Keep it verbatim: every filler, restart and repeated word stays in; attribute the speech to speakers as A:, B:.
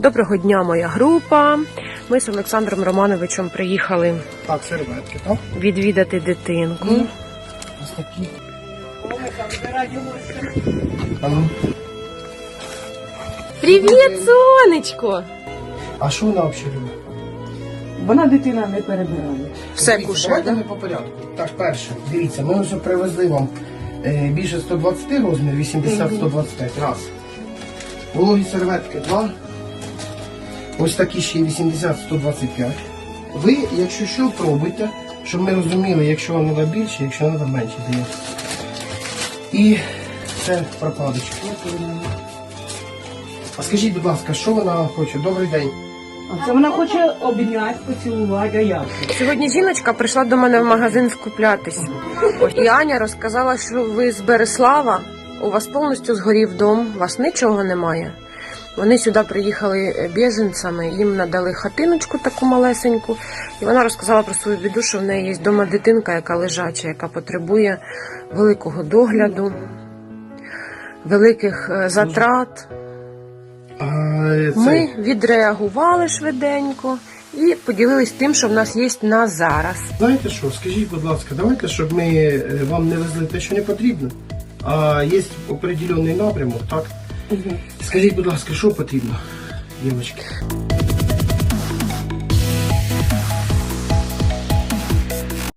A: Доброго дня, моя група. Ми з Олександром Романовичем приїхали
B: Так, серветки, так?
A: відвідати дитинку.
B: Mm. Ось такі. А ну.
A: Привіт, сонечко!
B: А що вона взагалі любить?
C: Вона дитина не перебирає.
A: Все
B: Дивіться,
A: кушає,
B: давайте
A: да?
B: ми по порядку. Так, перше, дивіться, ми вже привезли вам е, більше сто двадцять розмір, вісімдесят сто двадцять п'ять. Раз. Вологі серветки, два. Ось такі ще вісімдесят сто двадцять п'ять. Ви, якщо що, пробуйте, щоб ми розуміли, якщо вам треба більше, якщо треба менше дає. І це прокладочки. А скажіть, будь ласка, що вона хоче? Добрий день.
C: А це вона хоче обняти, поцілувати, а як?
A: Сьогодні жіночка прийшла до мене в магазин скуплятись. Ось, і Аня розказала, що ви з Береслава, у вас повністю згорів дом, у вас нічого немає. Вони сюди приїхали біженцями, їм надали хатиночку таку малесеньку. І вона розказала про свою біду, що в неї є вдома дитинка, яка лежача, яка потребує великого догляду, великих е, затрат.
B: А, це...
A: Ми відреагували швиденько і поділились тим, що в нас є на зараз.
B: Знаєте що, скажіть, будь ласка, давайте, щоб ми е, вам не везли те, що не потрібно, а є определений напрямок, так?
A: Угу.
B: Скажіть, будь ласка, що потрібно, дівчатки?